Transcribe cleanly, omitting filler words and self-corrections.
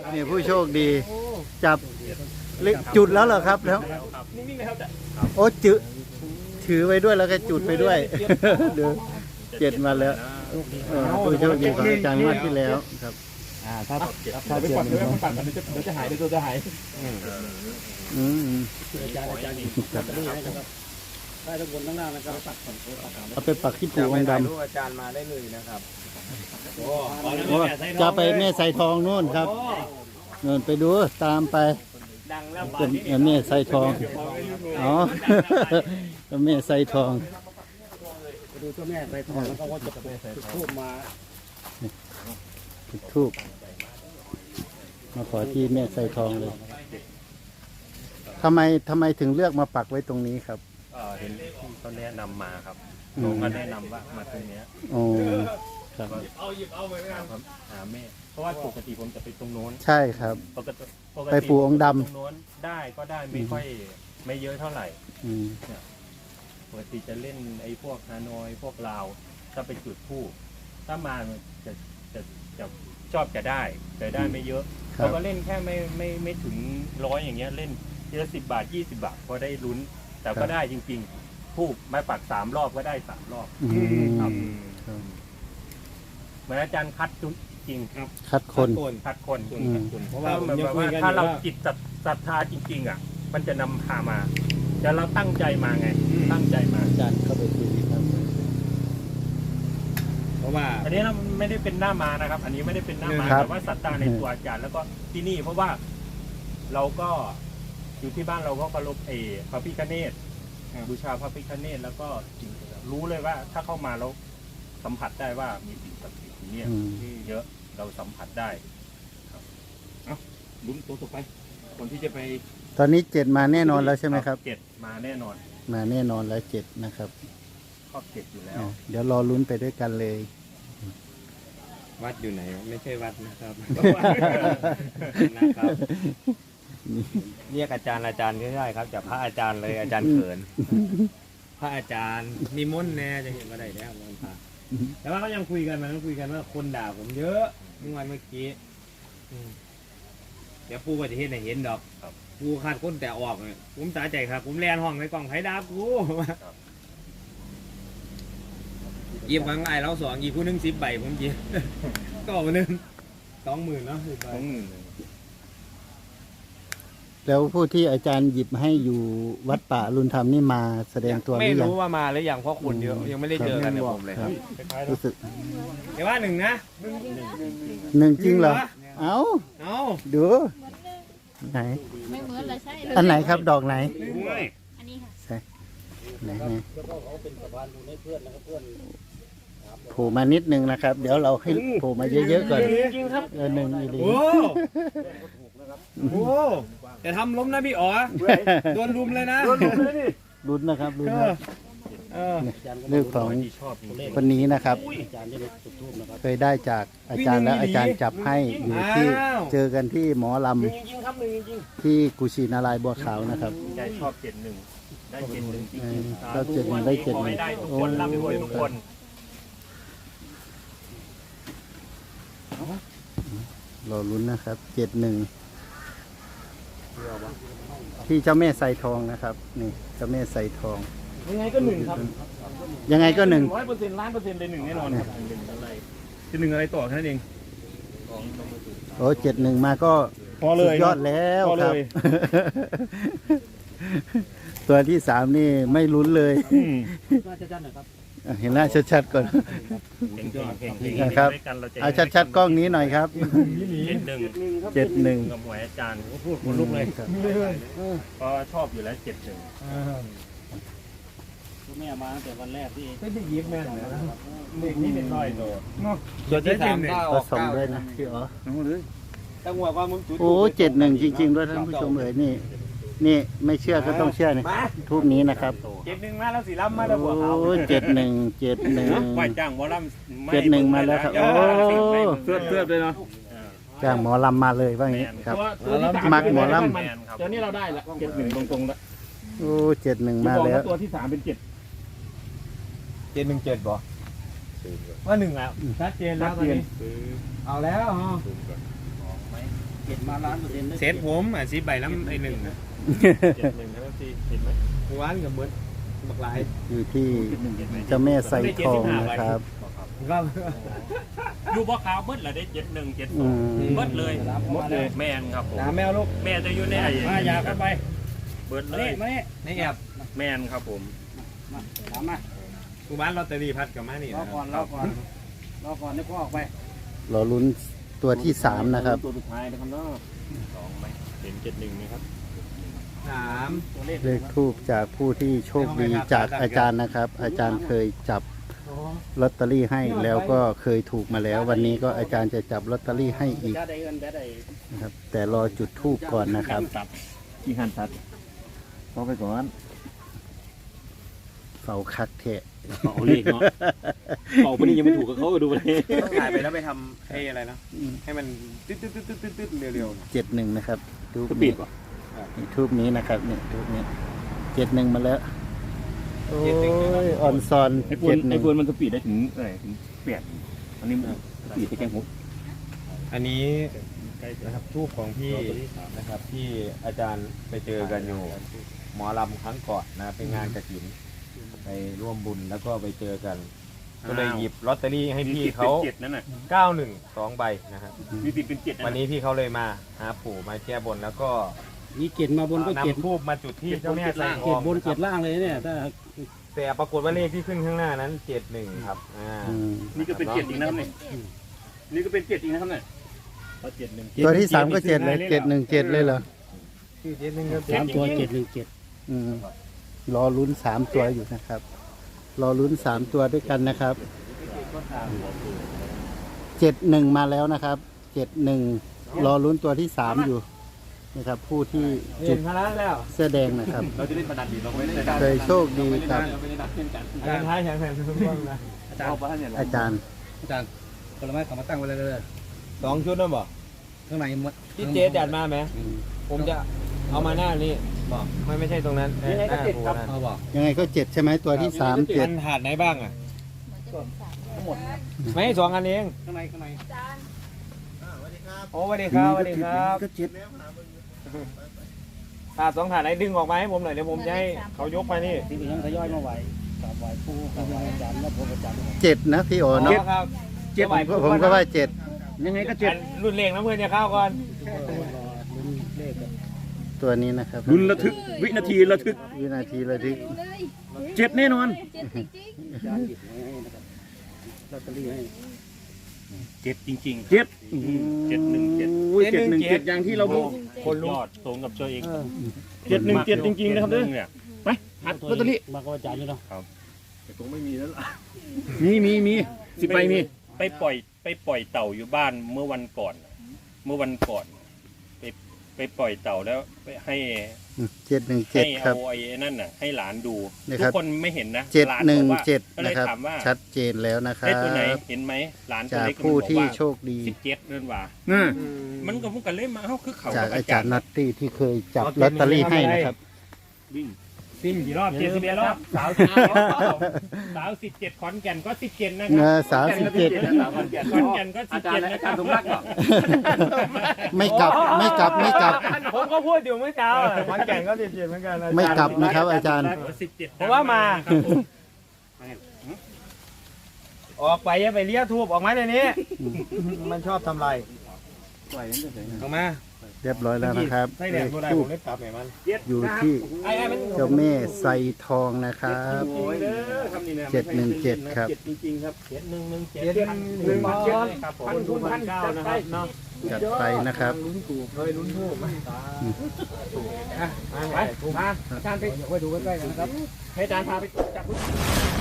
นี่ผู้โชคดีจับจุดแล้วเหรอครับแล้วโอ้จุดถือไว้ด้วยแล้วก็จุดไปด้วยเดี๋ยว7มาแล้วผู้โชคดีของอาจารย์งวดที่แล้วครับถ้าไปปัดเดี๋ยวมันปัดเดี๋ยวจะหายเดี๋ยวตัวจะหายอาจารย์จับตรงไหนนะครับได้ทั้งบนทั้งล่างนะครับปัดก่อนเอาไปปักที่ปูองค์ดำอาจารย์มาได้เลยนะครับจะไปแม่ใส่ทองนู่นครับนู่นไปดูตามไปเป็นแม่ใส่ทองอ๋อแม่ใส่ทองไปดูเจ้าแม่ใส่ทองแล้วก็ว่าจะไปใส่ทูบมาทูบมาขอที่แม่ใส่ทองเลยทำไมถึงเลือกมาปักไว้ตรงนี้ครับเห็นเขาแนะนำมาครับผมก็แนะนำว่ามาตรงนี้โอ้ครับเอาไปหาแม่เพราะว่าปกติผมจะไปตรงโน้นใช่ครับปกติไปปูองค์ดำตรงโน้นได้ก็ได้ไม่เยอะเท่าไหร่ปกติจะเล่นไอ้พวกฮานอยพวกลาวถ้าไปจุดผู้ถ้ามาจะชอบจะได้แต่ได้ไม่เยอะเราก็เล่นแค่ไม่ถึง100อย่างเงี้ยเล่นทีละ10 บาท20 บาทพอได้ลุ้นแต่ก็ได้จริงๆผู้มาปัก3 รอบก็ได้3 รอบครับเหมือนอาจารย์คัดจุดจริงครับคัดคนเพราะว่าถ้าเราจิตศรัทธาจริงๆอ่ะมันจะนำพามาแต่เราตั้งใจมาไงตั้งใจมาอาจารย์เข้าไปคุยครับเพราะว่าอันนี้เราไม่ได้เป็นหน้ามานะครับอันนี้ไม่ได้เป็นหน้ามาแต่ว่าศรัทธาในตัวอาจารย์แล้วก็ที่นี่เพราะว่าเราก็อยู่ที่บ้านเราก็เคารพพระพิฆเนศบูชาพระพิฆเนศแล้วก็รู้เลยว่าถ้าเข้ามาแล้วสัมผัสได้ว่ามีสิ่งศักดิ์สิทธิ์เนี่ยเยอะเราสัมผัสได้ลุ้นตัวต่อไปคนที่จะไปตอนนี้7มาแน่นอนแล้วใช่ไหมครับ 7มาแน่นอนมาแน่นอนแล้ว7นะครับครอบ7อยู่แล้วเดี๋ยวรอลุ้นไปด้วยกันเลยวัดอยู่ไหนไม่ใช่วัดนะครับเรียกอาจารย์ไม่ได้ครับจับพระอาจารย์เลยอาจารย์เขินพระอาจารย์มีมนต์แน่จะเห็นว่าได้แล้วมันพาแต่ว่าก็ยังคุยกันว่าคนด่าผมเยอะเมื่อกี้เดี๋ยวปูก็จะเห็นเห็นดอกปูขาดก้นแต่ออกผมตาใจครับผมแลนห้องในกล่องไผ่ดาบกูยิบครั้งไอ้เรา2อีกคู่นึง10 ใบผมยิบก็มานึง20,000เนาะแล้วผู้ที่อาจารย์หยิบให้อยู่วัดป่ารุนธรรมนี่มาแสดงตัวไม่รู้ว่ามาหรือยังเพราะคนเยอะยังไม่ได้เจอกันกับผมเลยครับรู้สึกแต่ว่า1นะ 1จริงเหรอเอาดูไหนไม่เหมือนเลยใช่อันไหนครับดอกไหนอันนี้ค่ะใช่ไหนโผล่มานิดนึงนะครับเดี๋ยวเราให้โผล่มาเยอะๆก่อน1อีกโอ้จะทำล้มนะพี่อ๋อโดนรุมเลยนะรุนนะครับรุนเรื่องของคนนี้นะครับเคยได้จากอาจารย์แล้วอาจารย์จับให้อยู่ที่เจอกันที่หมอลำที่กุชินารายบัวขาวนะครับใจชอบ71ได้71จริงๆชอบ71ได้71 ได้ทุกคนร่ำรวยทุกคนรอลุ้นนะครับ71ที่เจ้าแม่ใส่ทองนะครับนี่เจ้าแม่ใส่ทองยังไงก็1ครับยังไงก็100% ล้านเปอร์เซ็นต์เลย1แน่นอนจะ1อะไรต่อแค่นั้นเองโอ้71มาก็พอเลยยอดแล้วครับตัวที่3นี่ไม่ลุ้นเลยเห็นหน้าชัดๆก่อนนะครับเอาชัดๆกล้องนี้หน่อยครับ71 กับหวยอาจารย์พูดคนลุกเลยเพราะชอบอยู่แล้ว71แม่มาตั้งแต่วันแรกที่ไม่ยิ้มแม่เด็กนี่เป็นน้อยโตตัวที่3 ผสมด้วยนะพี่อ๋อตั้งหัวความมึงโอ้71จริงๆด้วยท่านผู้ชมเอ๋ยนี่ไม่เชื่อก็ต้องเชื่อนี่ทูบนี้นะครับ 71มาแล้วสีล้ำมาแล้วบัวขาวโอ้71 ไหวจ้างหมอลำ 71มาแล้วครับโอ้เสื้อเลยเนาะจ้างหมอลำมาเลยว่างี้ครับมักหมอลำเดี๋ยวนี้เราได้ละ71ตรงๆแล้วโอ้71มาแล้วตัวที่3เป็น717บ่ว่า1แล้วชัดเจนแล้วตอนนี้เอาแล้วฮะเก็บมา1,000,000% เซตผมอ่ะ10 ใบแล้วไอ้1 71ครับพี่เห็นไหมหวานกับเหมือนบักหลายอยู่ที่เจ้าแม่ไซทองนะครับก็อยู่บ่ขาวเบิดละได้71 อืม 72เบิดเลยหมดเลยแม่นครับผมน้ำแมวลูกแม่จะอยู่ในไอ้มาอยากเข้าไปเบิดเลยมาเนี่ยในแอบแม่นครับผมมาถามมากูบ้านลอตเตอรี่พัดกับมานี่รอก่อนให้พ่อออกไปรอลุ้นตัวที่สามนะครับตัวสุดท้ายนะครับเนาะ 2ไหมเห็น71ไหมครับ 3 ตัวเลขเลขทูปจากผู้ที่โชคดีจากอาจารย์นะครับ อาจารย์เคยจับลอตเตอรี่ให้แล้วก็เคยถูกมาแล้ว วันนี้ก็อาจารย์จะจับลอตเตอรี่ให้อีกจะได้เงินได้นะครับ แต่รอจุดทูปก่อนนะครับที่หันตัดพอไปก่อนเฝ้าคักแทะเอาเลขเนาะเอาไปนี่ยังไม่ถูกกับเขาดูเลยต้องถ่ายไปแล้วไปทำให้อะไรนะให้มันตึ๊ดเร็ว 71นะครับทูปสปีนี้ดป่ะทูปนี้นะครับเนี่ยทูปนี้71มาแล้วโอ้ยออนซอนไอ้ปูนมันสปีดได้ถึงอะไรถึง8อันนี้มันสปีดไปแค่6 ๆอันนี้นะครับทูบของพี่นะครับที่อาจารย์ไปเจอกันอยู่หมอลำครั้งก่อนนะเป็นงานกฐินไปร่วมบุญแล้วก็ไปเจอกัน ก็เลยหยิบลอตเตอรี่ให้พี่เขา 7นั่นน่ะ 91 2 ใบนะครับมีติดเป็น7 วันนี้พี่เขาเลยมาหาปู่มาแก้บนแล้วก็มีเกตมาบนก็เกตนำทูบมาจุดที่เจ้าแม่ใส่ทเกอตงบนเกตล่างเลยเนี่ยถ้าแต่ปรากฏว่าเลขที่ขึ้นข้างหน้านั้น71ครับอืมนี่ก็เป็น7อีกนะครับเนี่ยนี่ก็เป็น7อีกนะครับเนี่ยเขา71 ตัวที่สามก็7เลย717เลยเหรอชื่อ71ครับ 3 ตัว717 อืมรอลุ้น3ตัวอยู่นะครับ รอลุ้น3ตัวด้วยกันนะครับ71มาแล้วนะครับ71รอลุ้นตัวที่3อยู่นะครับ ผู้ที่เห็จุนดพลังแล้วเสื้อแดงนะครับเราจะเล่นประดันดีเราไม่ได้เคยโชคดีครับเราไม่ได้นัดเช่นกันอาจารย์ท้ายแข็งแรงทุกคนนะอาจารย์บ้านเนี่ยอาจารย์ผลไม้เขามาตั้งไว้เลย 2 ชุดนั่นบอกข้างในหมดที่เจ๊จัดมาไหมผมจะเอามาหน้านี้บอกไม่ใช่ตรงนั้นหน้าปูนั่นเอาบอกยังไงก็7ใช่ไหมตัวที่3 มันถาดไหนบ้างอ่ะทั้งหมดไม่2 อันเองข้างในโอ้สวัสดีครับสวัสดีครับก็เจ็ดถาด2 ถาดไหนดึงออกมาให้ผมหน่อยเดี๋ยวผมจะให้เขายกไปนี่ที่เหลือทยอยมาไหวกราบไหวผู้กราบไหวอาจารย์แล้วผมอาจารย์ 7นะพี่โอเนาะครับผมก็ว่ายังไงก็เจ็ดรุ่นเลงน้ำเพื่อนเนี่ยเข้าก่อนลุ้นเลข 7ตัวนี้นะครับลุ้นระทึกวินาทีระทึกวินาทีระทึกเจ็ดแน่นอนเจ็ดจริงอาจารย์หยิบให้นะครับลอตเตอรี่ให้ 7จริงๆเจ็ด 717 อุ้ย717อย่างที่เราพูดคนยอดตรงกับตัวเอง 717จริงๆนะครับเด้อเนี่ยไปหัดลอตเตอรี่มาก็อาจารย์อยู่เนาะแต่คงไม่มีแล้วล่ะมี10 ใบมีไปปล่อยเต่าอยู่บ้านเมื่อวันก่อนไปปล่อยเต่าแล้วไปให้ 717 ครัเอาบไอ้นั่นน่ะให้หลานดูนี่คทุรักบคนไม่เห็นนะหลานบอกว่าก็ 717 เลนะยครับถามว่าชัดเจนแล้วนะครัได้ตัวไหนบเห็นไหมหลานตัวจากเล็กผู้ที่โชคดี 17เดินว่าน่ะมันก็พุ่งกันเล่นมาเอ้าคือเขาจากกับอาจารย์นัตตี้ที่เคยจับลอตเตอรี่ให้นะครับซิ่งกี่รอบ71รอบสาว17ขอนแก่นก็17นะคเงรัอสาว17 ขอนแก่นก็17นะครับสมรักเหรอไม่กลับผมก็พูดอยู่เมื่อเช้าขอนแก่นก็17เหมือนกันไม่กลับนะครับ อาจารย์ 17 ผมว่ามาครับผมออกไปอย่าไปเลี้ยทูบออกมาเดี๋ยวนี้ มันชอบทำลายปล่อยมันจะใส่ออกมาเรียบร้อยแล้วนะครับใส่แหลมตัวใดผมได้ปรับไหนมันอยู่ที่เจ้าแม่ไซทองนะครับโอ้ยเด้อคำนี้นะ 717 ครับ 7จริงๆครับ7117 ครับผม1,900นะครับเนาะจัดไปนะครับเลยลุ้นทูบมาไปมาอาจารย์ไปดูใกล้ๆกันนะครับให้อาจารย์พาไปจับ